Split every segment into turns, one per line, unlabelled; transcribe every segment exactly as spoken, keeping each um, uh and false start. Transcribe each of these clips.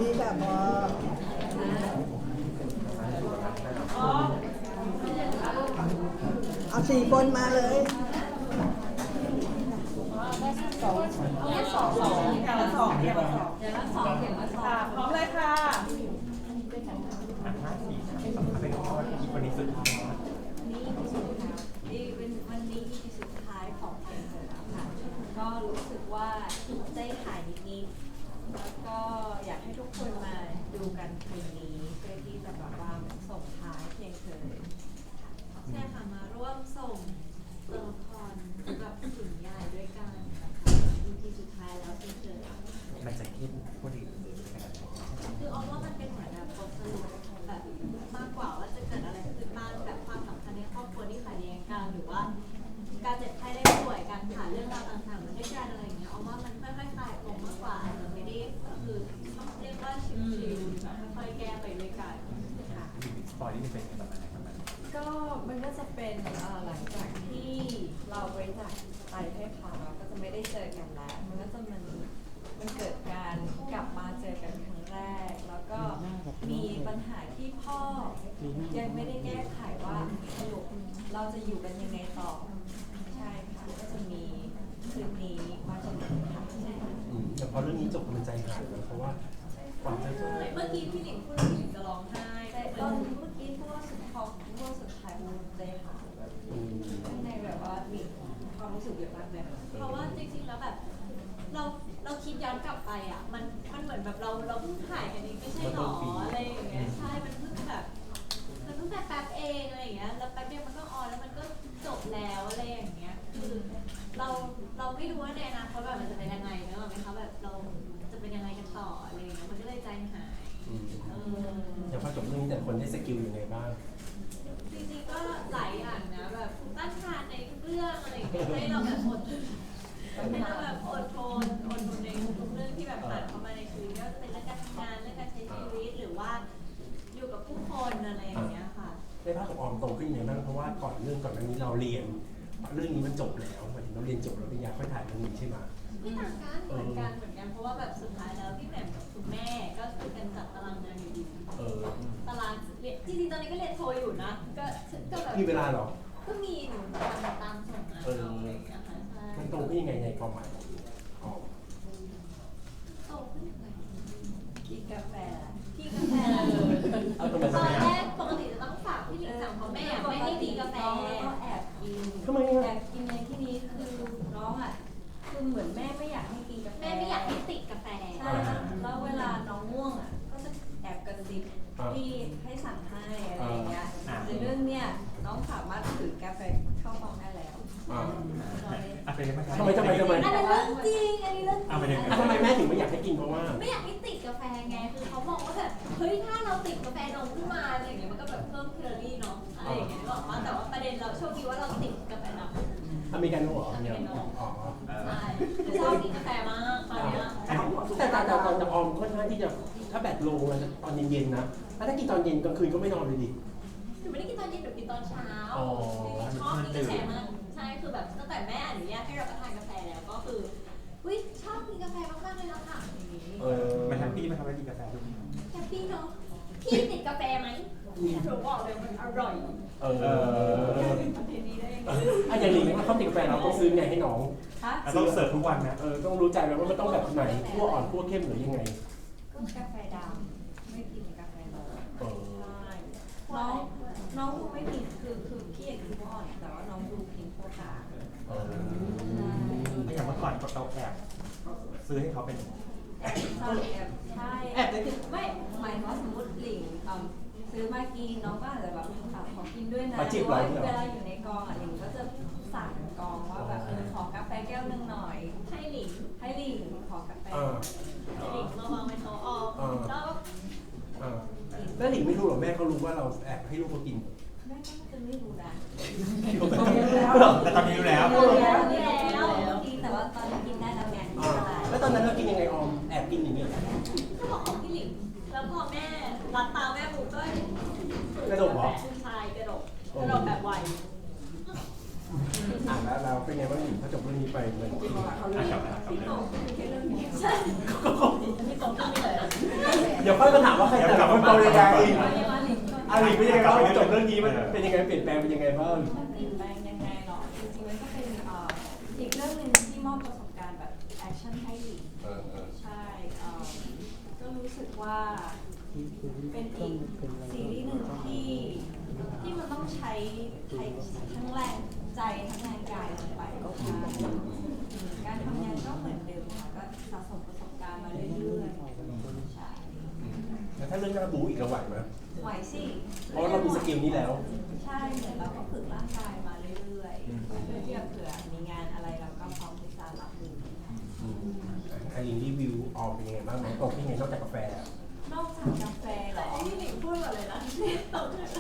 ดีค่ะพอเอาสี่คนมาเลยสอง
สองสองอย่างละสองอย่างละสองอย่างละสองอย่างละสองพร้อมเลยค่ะ
อ่ะห้าสี่สามสองเป็นข้อที่วันนี้สุดท้ายนะ
นี่คือสุดท้ายนี่เป็นวันนี้ที่สุดท้ายของเพลงเลยแล้วค่ะก็รู้สึกว่าใจหายนิดๆแล้วก็อยากให้ทุกคนมาดูกันเพลงนี้เพื่อที่จะแบบว่าส่งท้ายเพลงเธอใช่ค่ะมาร่วมส่งตัวละครกับถึงยายด้วยกันนะคะอีพีสุดท้ายแล้วเพลงเธอ
มันจะคิดพูดถึง
คือออมว่ามันเป็นเหมือนแบบบทสรุปแบบมากกว่าว่าจะเกิดอะไรขึ้นบ้างแบบความสัมพันธ์ในครอบครัวที่ขัดแย้งกันหรือว่าการเจ็บไข้ได้ป่วยการผ่านเรื่องราวต่างๆมันด้วยกันอะไรอย่างเงี้ยออมว่ามันค่อยๆคลายปมมากกว่าอาจจะไม่ได้คือต้องเรียกว่าชิวๆแบบค่อยๆแก้ไปด้วยกันค่ะ
สปอยนี่เป็นประมาณไหนประมาณ
ก็มันก็จะเป็นหลังจากที่เราบริจาคไตให้เขาก็จะไม่ได้เจอกันแล้วมันก็จะมันมันเกิดการกลับมาเจอกันครั้งแรกแล้วก็มีปัญหาที่พ่อยังไม่ได้แก้ไขว่าสรุปเราจะอยู่กันยังไงต่อใช่ค่ะก็จะมีคืนนี้มาจนถึงค่ะใช่ค่ะ
แต่พอเรื่องนี้จบมันใจหายนะเพราะว่าก่อนจะ
เมื่อกี้พี่หนิงพูดพี่หนิงจะร้องไห้
แต่ตอนเมื่อกี้พูดว่าสุดท้ายพูดว่าสุดท้ายมันใจหายแบบข้างในแบบว่ามีความรู้สึกเยอะมากเลย
เพราะว่าจริงๆแล้วแบบเราเราคิดย้อนกลับไปอ่ะมันมันเหมือนแบบเราเราเพิ่งถ่ายกันนี้ไม่ใช่หรออะไรอย่างเงี้ยใช่มันเพิ่งแบบมันเพิ่งแป๊บๆเองอะไรอย่างเงี้ยแล้วแป๊บเดียวมันก็ออนแล้วมันก็จบแล้วอะไรอย่างเงี้ยคือเราเราไม่รู้ว่าในอนาคตแบบมันจะเป็นยังไงเนอะไหมคะแบบเราจะเป็นยังไงกันต่ออะไรอย่างเงี้ยมันก็เลยใจหายเออ
อย่างพอจบเรื่องนี้แต่คนได้สกิลยังไงบ้าง
จริงๆก็หลายอย่างนะแบบต้านทานในทุกเรื่องอะไรอย่างเงี้ยให้เราแบบอดให้เราแบบอดทนอดทนในทุกเรื่องที่แบบผ่านเข้ามาในชีวิตไม่ว่าจะเป็นเรื่องการทำงานเรื่องการใช้ชีวิตหรือว่าอยู่กับผู้คนอะไรอย่างเงี้ยค่ะ
ได้ภาพของออมโตขึ้นยังไงบ้างเพราะว่าก่อนเรื่องก่อนหน้านี้เราเรียนเรื่องนี้มันจบแล้วหมายถึงเราเรียนจบแล้วปริญญาค่อยถ่ายเรื่องนี้ใช่ไหม
ไม่ต่างกันเหมือนกันเหมือนกันเพราะว่าแบบสุดท้ายแล้วพี่แหม่มกับคุณแม่ก็คือกันจัดตารางงานอยู่ดี
เออ
ตารางเรียนจริงๆตอนนี้ก็เรียนโทอยู่นะก็ก็แบบ
มีเวลาเหรอ
ก็มีหนูตามตามส่งงานเอาอะไรอย่างเงี้ยค่ะใช่
มันโตขึ้นยังไงในความหมายของออม
โตขึ้นยังไง
กินกาแฟ
พี่กาแฟ
เอาทำไม
ต
ทำ
อ
ไม
นแรกปกติจะต้องฝากพี่หนิงสั่งเพราะแม่ไม่ให้มีกาแฟ
ก็แอบกิน
ทำไม
แอ
อ่ะ
บกินในที่นี้คือน้องอ่ะคือเหมือนแม่ไม่อยากให้กินกาแฟ
แม่ไม่อยากให้ติดกาแฟ
ใช่แล้วเวลาน้องง่วงอ่ะก็จะแอบกระซิบพี่ให้สั่งให้อะไรอย่างเงี้ยแต่เรื่องเนี้ยน้องสามารถถือกาแฟเข้าห้องได้แล้ว
อ่า
อ่ะเป็นยังไง
ทำไมทำไมทำไม
อันนั้นเรื่องจริงอันนี้เรื่องจ
อ่ะเป็น
ริ
ยัง
ง
ไง
อ่ะทำไมแม่ถึงไม่อยากให้กินเพราะว่า
ไม่อยากให้ติดกาแฟไงคือเขาบอกว่าแบบเฮ้ยถ้าเราติดกาแฟนมขึ้นมาอะไรอย่างเงี้ยมันก็แบบเพิ่มแคลอรี่เนาะอะไรอย่างเงี้ยบอกว่าแต่ว่าประเด็นเราโชคดีว่าเราติดกาแฟดำ
อเมริกาโน่เหรอเนี่ยอ๋อ
ใช่คือชอบกินกาแฟมากตอนเนี้ย
แต่แต่แต่ตอนจะออมค่อนข้างที่จะถ้าแบตลงมันจะตอนเย็นๆนะถ้าถ้ากินตอนเย็นกลางคืนก็ไม่นอนเลยดิ
หนูไม่ได้กินตอนเย็นหนูกินตอนเช้า
อ๋อ
ชอบกินกาแฟมากใช่คือแบบตั้งแต่แม่อนุญาตให้รับประทานกาแฟแล้วก็คืออุ้ยชอบกินกาแฟมากๆเลยละค่ะอย่างนี้
เออ
มันแฮปปี้มันทำให้กินกาแฟทุก
แฮปปี้เนาะพี่ติดกาแฟไหมหนูบอกเลยมันอร่อย
เออ
ประเด็นนี้ได้ยังไง
อ่ะอย่างนี้ถ้าเขาติดกาแฟเราต้องซื้อไงให้น้อง
ฮะ
ต้องเสิร์ฟทุกวันนะ
เออต้องรู้ใจแล้วว่ามันต้องแบบไหนคั่วอ่อนคั่วเข้มหรือยังไง
ก็กาแฟดำไม่กินกาแฟนม
เออ
ใช่น้องน้องดูไม่ผิดคือคือพี่อยากกินพวกอ่อนแต่ว่าน้องดูกินพวกกลาง
เออ
ไม่อย่างเมื่อก่อนเราแอบซื้อให้เขาเป็น
แอบใช่แอบใช่แอบคือไม่หมายถึงว่าสมมติหลิงอ่ะซื้อมากินน้องก็อาจจะแบบอ่ะขอกินด้วยนะหรือว่าเวลาอยู่ในกองอ่ะหลิงก็จะสั่งกองว่าแบบเออขอกาแฟแก้วนึงหน่อย
ให้หลิง
ให้หลิงขอกาแฟ
เออ
ให้หลิงมาวางไว้โต๊ะออมแล้วก็
เออแล้วหลิงไม่รู้หรอแม่เขารู้ว่าเราแอบให้ลูกเขากิน
แม่ก็จะไม่รู้นะ
แต่ตอนนี้รู้แล้ว
รู้แล้วรู้แล้วกินแต่ว่าตอนนี้กินได้แล้วไง
อ่าแล้วตอนนั้นเรากินยังไงออมแอบกินอย่างเงี้ย
ก็บอกของพี่หลิงแล้วพอแม่รับตาแม่ปุ๊บก็
กระดกเหรอ
ใช่กระดกกระดกแบบไว
อ่าแล้วเราเป็นไงบ้างหลิงพอจบเรื่องนี้ไปมัน
อ่ะกลับมาครับ
พี่โตคือแค่เรื่องนี้ใช่พี่โตขึ้นไม่เลย
เดี๋ยวค่อยมาถามว่าใครแต่ละคนโตยังไง
ยังมาหลิงก่อน
อาหลีเป็นยังไงบ้างจบเรื่องนี้มันเป็นยังไงเปลี่ยนแปลงเป็นยังไงบ้าง
มันเปลี่ยนแปลงยังไงหรอจริงๆมันก็เป็นเอ่ออีกเรื่องหนึ่งที่มอบประสบการณ์แบบแอคชั่นให้หลิง
เออเออ
ใช่เอ่อก็รู้สึกว่าเป็นอีกซีรีส์หนึ่งที่ที่มันต้องใช้ใช้ทั้งแรงใจทั้งแรงกายลงไปก็คือการทำงานก็เหมือนเดิมค่ะก็สะสมประสบการณ์มาเรื่อยๆใช่
แล้วถ้าเรื่องหน้าบูอีกเราไหวไหม
ไหวสิ
เพราะเรามีสกิลนี้แล้ว
ใช่เหมือนเราก็ฝึกร่างกายมาเรื่อยๆเพื่อที่จะเผื่อมีงานอะไรเราก็พร้อมที่จะรับมือ
อืมไอรินรีวิวออกเป็นยังไงบ้างน้องโตเป็นยังไงนอกจากกาแฟ
นอกจากกาแฟเหรอที่หลิงพูดก่อนเลยนะที่ตกเลย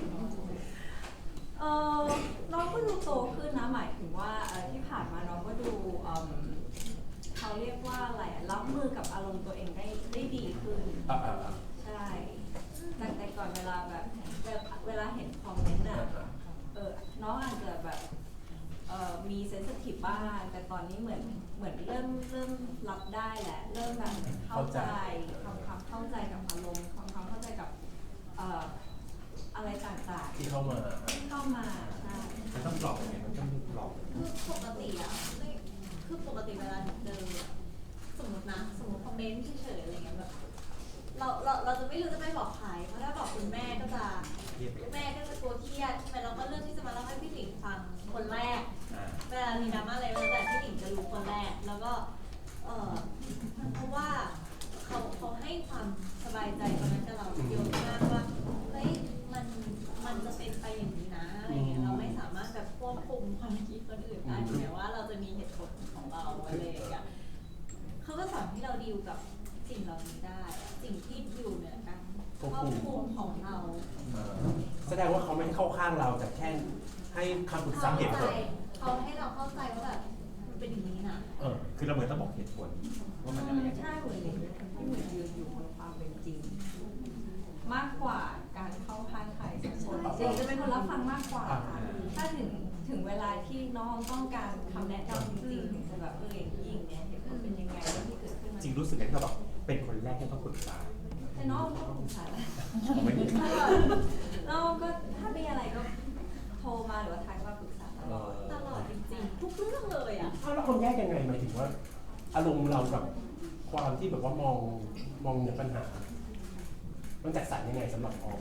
เออน้องก็ดูโตขึ้นนะหมายถึงว่าเอ่อที่ผ่านมาน้องก็ดูเอิ่มเขาเรียกว่าอะไรอะรับมือกับอารมณ์ตัวเองได้ได้ดีขึ้น
อ่าอ่าอ่า
ใช่แต่แต่ก่อนเวลาแบบเวลาเวลาเห็นคอมเมนต์อ่ะเออน้องอาจจะแบบเอ่อมีเซนซิทีฟบ้างแต่ตอนนี้เหมือนเหมือนเริ่มเริ่มรับได้แหละเริ่มแบบเข้าใจทำความเข้าใจกับอารมณ์ทำความเข้าใจกับเอ่ออะไรต่างๆ
ที่เข้ามา
ที่เข้ามาใช่
มันต้องปลอบยังไงมันต้องปลอบ
คือปกติอะไม่คือปกติเวลาเจอสมมตินะสมมติคอมเมนต์เฉยๆอะไรเงี้ยแบบเราเราเราจะไม่รู้จะไม่บอกใครเพราะถ้าบอกคุณแม่ก็จะแม่ก็จะกลัวเครียดใช่ไหมเราก็เลือกที่จะมาเล่าให้พี่หลิงฟังคนแรก
อ่า
เวลามีดราม่าอะไรแต่พี่หลิงจะรู้คนแรกแล้วก็เออเพราะว่าเขาเขาให้ความสบายใจตรงนั้นกับเราเยอะมากว่าเฮ้ยมันมันจะเป็นไปอย่างนี้นะอะไรเงี้ยเราไม่สามารถแบบควบคุมความคิดคนอื่นได้ถึงแม้ว่าเราจะมีเหตุผลของเราอะไรอย่างเงี้ยเขาก็สอนให้เราดีลกับสิ่งเหล่านี้ได้อะสิ่งที่อยู่เหนือการควบคุมของเรา
อ่าแสดงว่าเขาไม่ให้เข้าข้างเราแต่แค่ให้คำปรึกษา
เขา
เหตุผล
เขาให้เราเข้าใจว่าแบบมันเป็นอย่างนี้นะ
เออ
คือเราเหมือนต้องบอกเหตุผลว่ามันอะไรยังไง
ใช่เหมือนหลิงเป็นคนที่เหมือนยืนอยู่บนความเป็นจริง มากกว่าการเข้าข้างใครสักคนจริงจะเป็นคนรับฟังมากกว่าค่ะถ้าถึงถึงเวลาที่น้องต้องการคำแนะนำจริงๆถึงจะแบบเอออย่างนี้อย่างเนี้ยเหตุผลเป็นยังไงเรื่องที่เกิดขึ้นมา
จริงรู้สึกไงที่เราแบบเป็นคนแรกที่ต้องปรึกษา
แต่น้องก็ปรึกษาแล้ว
ผมไม่มี
น้องก็ถ้ามีอะไรก็โทรมาหรือว่าทักมาปรึกษาตลอด
ตลอดจริงๆทุกเรื่องเลยอ่ะ
อ้าวแล้วคนแยกยังไงหมายถึงว่า อารมณ์เรากับความที่แบบว่ามองมองเหนือปัญหา มันแตกต่างยังไงสำหรับออม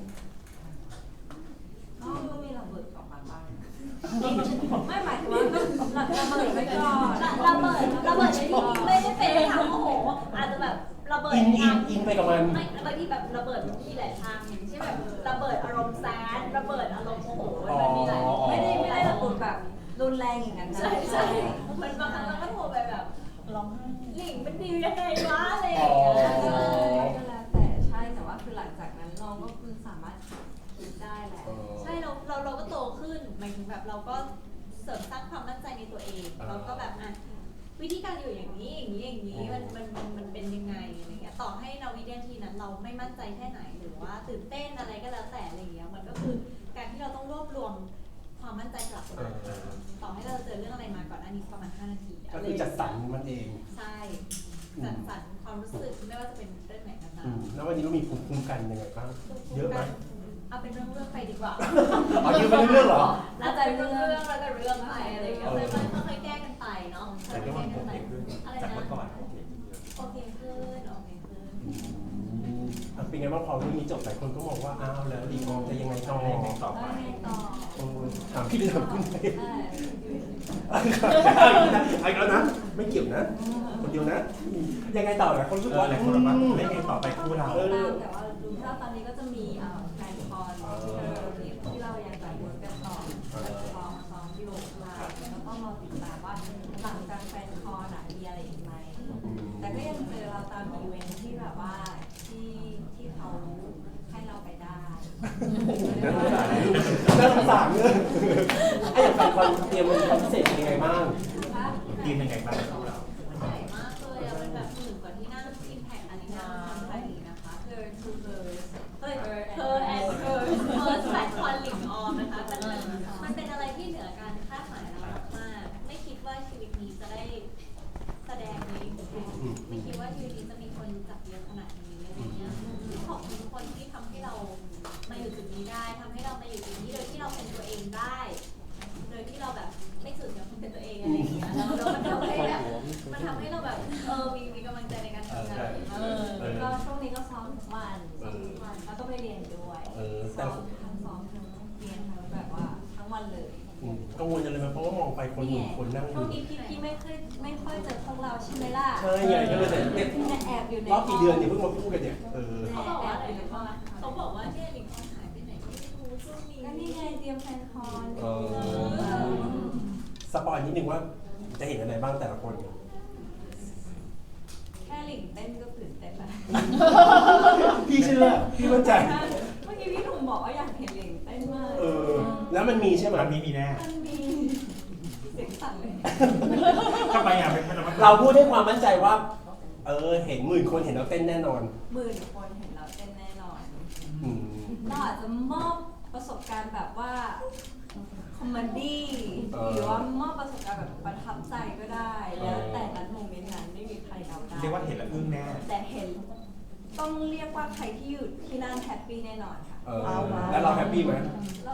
น้องก็มีระเบิดออกมาบ้างไม่หมายถึงว่าก็ระเบิดไว้ก่อน
ระเบิดระเบิดในที่ไม่ได้เป็นทางโอ้โหอาจจะแบบระเบิด
อินอิ
ทาน ง
อินไปกับมัน
ไม่บางทีแบบระเบิดมันมีหลายทางอย่างเช่นแบบระเบิดอารมณ์แซดระเบิดอารมณ์โอ้โหมันมีหลาย
ไม่ได้ไม่ได้ระเบิดแบบรุนแรงอย่างนั้นนะ
ใช่ใช่เหมือนบางครั้งเราก็โทรไปแบบร้องไห้หลิงเป็นดียังไงวะอะไรอย่างเงี้ย
ก็แล้วแต่ใช่แต่ว่าคือหลังจากนั้นน้องก็คือสามารถคิดได้แหละ
ใช่เราเราเราก็โตขึ้นหมายถึงแบบเราก็เสริมสร้างความมั่นใจในตัวเองเราก็แบบอ่ะวิธีการอยู่อย่างนี้อย่างนี้อย่างนี้มันมันมันมันเป็นยังไงอะไรเงี้ยต่อให้เราวินาทีนั้นเราไม่มั่นใจแค่ไหนหรือว่าตื่นเต้นอะไรก็แล้วแต่อะไรเงี้ยมันก็คือการที่เราต้องรวบรวมความมั่นใจกลับมาต่อให้เราเจอเรื่องอะไรมาก่อนหน้านี้ประมาณห้านาที
ก็คือจัดสรรมันเอง
ใช่จัดสรรความรู้สึกไม่ว่าจะเป็นเรื่องไหนก็ตา
อื
ม
มแล้ววันนี้เรามีภูมิคุ้มกันยังไงบ้าง เยอะไหม
เอาเป็นเรื่องเรื่องๆไปดีกว่า
อ๋อเยอะไปเรื่อยๆเหรอ
แล้วแต่เรื่องเรื่องแล้วแต่เรื่องไปอะไรอย่างเงี้ยเลยมันค่อยๆแก้กันไปเนาะ
แต่ก็ว่าโอเคขึ้น
อะไร
จาก
นะ
เมื่อก่อนโอเค
โอเคขึ้นโอเคขึ้น
อืมอ่ะเป็นไงบ้างพอเรื่องนี้จบหลายคนก็มองว่าอ้าวแล้วดีมองจะยังไงต่อ
ยังไงต่อ
แล้ว
ไป
ไงต่อ
เออถามพี่หรือถามคุณไป
เออ
เอาอีกแล้วนะ ไม่เกี่ยวนะ คนเดียวนะ ยังไงต่อนะคนรู้สึก
เออ
ว่า
หลายคนบอกว่าไม่ไงต่อไปคู่เรา
เออ
แต่ว่าดูถ้าตอนนี้ก็จะมีเอ่อแฟนคอนที่เรายังแบบเวิร์กกันต่อซ้อมซ้อมที่โรงพยาบาลแล้วก็รอติดตามว่าหลังจากแฟนคอนอ่ะมีอะไรอีกไหมแต่ก็ยังเจอเราตามอีเวนท์ที่แบบว่าที่ที่เขาให้เราไปได้
น่าสงสารเลยไอ้อย่างแฟนคอนเตรียมมันพิเศษเป็นยังไงบ้าง
ทีมยังไงบ้างคู่เรา
ใหญ่มากเลยอะเป็นแบบหมื่นกว่าที่นั่งอิมแพคอารีนาทำไทยนะคะ
เธอคือเธอ
เฮ้ยเธอแอนเธอเฟิร์สแฟนคอนหลิงออมนะคะมันมันมันเป็นอะไรที่เหนือการคาดหมายเรามากๆไม่คิดว่าชีวิตนี้จะได้แสดงในอิมแพคไม่คิดว่าชีวิตนี้จะมีคนรู้จักเยอะขนาดนี้อะไรเงี้ยวัน
เออ
แล้วก็ไปเรียนด้วย
เออแต่
ซ้อมทั้งซ้อมทั้งเรียนทั้งแบบว่าทั้งวันเลย
อืมกังวลจังเลยไหมเพราะว่ามองไปคนหนึ่งคนนั่งอ
ช่ว
ยู่
งนี้พี่พี่ไม่เคยไม่ค่อยเจอพวกเราใช่ไหมล่ะ
ใช่ไงก็เลยเนี่ยเนี่ย
เนี่ยแอบอยู่ใน
รอบกี่เดือนเนี่ยเพิ่งมาพูดกันเนี่ยเออ
เขาบอกว่าอะไรนะพ่อ
เขาบอกว่าเนี่ยหลิงออนหายไปไหนไม่รู้ช่วงนี้
ก็นี่ไงเตรียมแฟนคอน
เออสปอยนิดนึงว่าจะเห็นอะไรบ้างแต่ละคน
แค่หลิงเต้นก็ตื่นเต้นแล้ว
พี่เชื่อพี่มั่นใจ
เมื่อกี้พี่หนุ่มบอกว่าอยากเห็นหลิงเต้นมาก
เออแล้วมันมีใช่ไหม
วันนี้มีแน่
มันมีเสียงสั่นเลย
ทำไมอ่ะเป็นมัน
เราพูดด้วยความมั่นใจว่า เออเห็นหมื่นคนเห็นเราเต้นแน่นอน
หมื่นคนเห็นเราเต้นแน่นอน
อืม
เราอาจจะมอบประสบการณ์แบบว่าคอมเมดี้หรือว่ามอบประสบการณ์แบบประทับใจก็ได้ แล้วแต่นั้นโมเมนต์นั้นไม่มีใครเดาได้
เรียกว่าเห็นแล้วอึ้งแน่
แต่เห็นต้องเรียกว่าใครที่อยู่ที่นั่นแฮปปี้แน่นอนค่ะ
เออแล้วเราแฮปปี้ไหม
เรา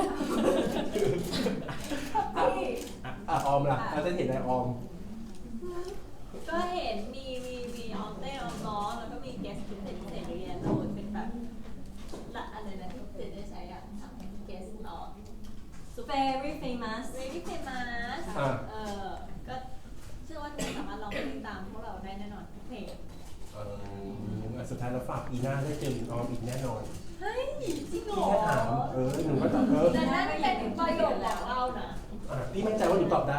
แฮปปี้
อ่ะออมล่ะเราจะเห็นอะไรออม
ก็เห็นมีมีมีออมเต้นออมร้องแล้วก็มีเกสพิเศษพิเศษเรียนโดยเป็นแบบละอะไรนะที่เจได้ใช้อ่ะทำเกสออก
very famous
very famous
อ่า
เออก็เชื่อว่าทุกคนสามารถลองเพลงตามพวกเราได้แน่นอนทุกเพลง
เออสุดท้ายเราฝากปีหน้าได้เจอออมอีกแน่นอน
เฮ้ยจริงเหร
พี่
อ
แค่ถามเออหนูก็ตอบเออ
แต่นั่นเป็นประโยคของเรานะ
อ่ะพี่มั่นใจว่าหนูตอบได้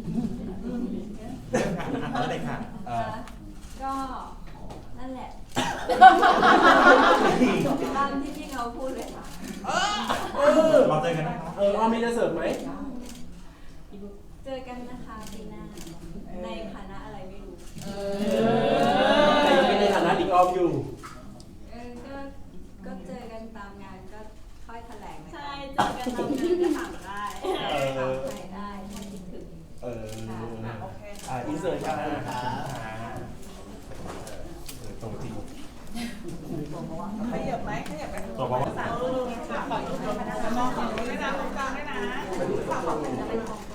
เอาเลยค่ะ
เออ
ก็นั่นแหละตามที่พี่เขาพูดเลยค่ะ
เออ
เราเจอกันนะคะ
เออออมมีจะเสริมไหม
เจอกันนะคะปีหน้าในคณะอะไรไม่รู้
แต่ยังเป็นในฐานะดิงออมอยู่
เออก็ก็เจอกันตามงานก็ค่อยแถลงนะคะ
ใช่เจอกันตามงานก็ถามได้
เออ
ถามใครได้ถ้าคิดถึง
เอออ่ะอินเสิร์ตครับเออตรงจริง
ขยับไหมขยับไป
ตัวบอกว่า
สามรูปค่ะขออีกรูปนะมองฝั่งนี้ด้วยนะตรงกลางด้วยนะฝั่งฝั่ง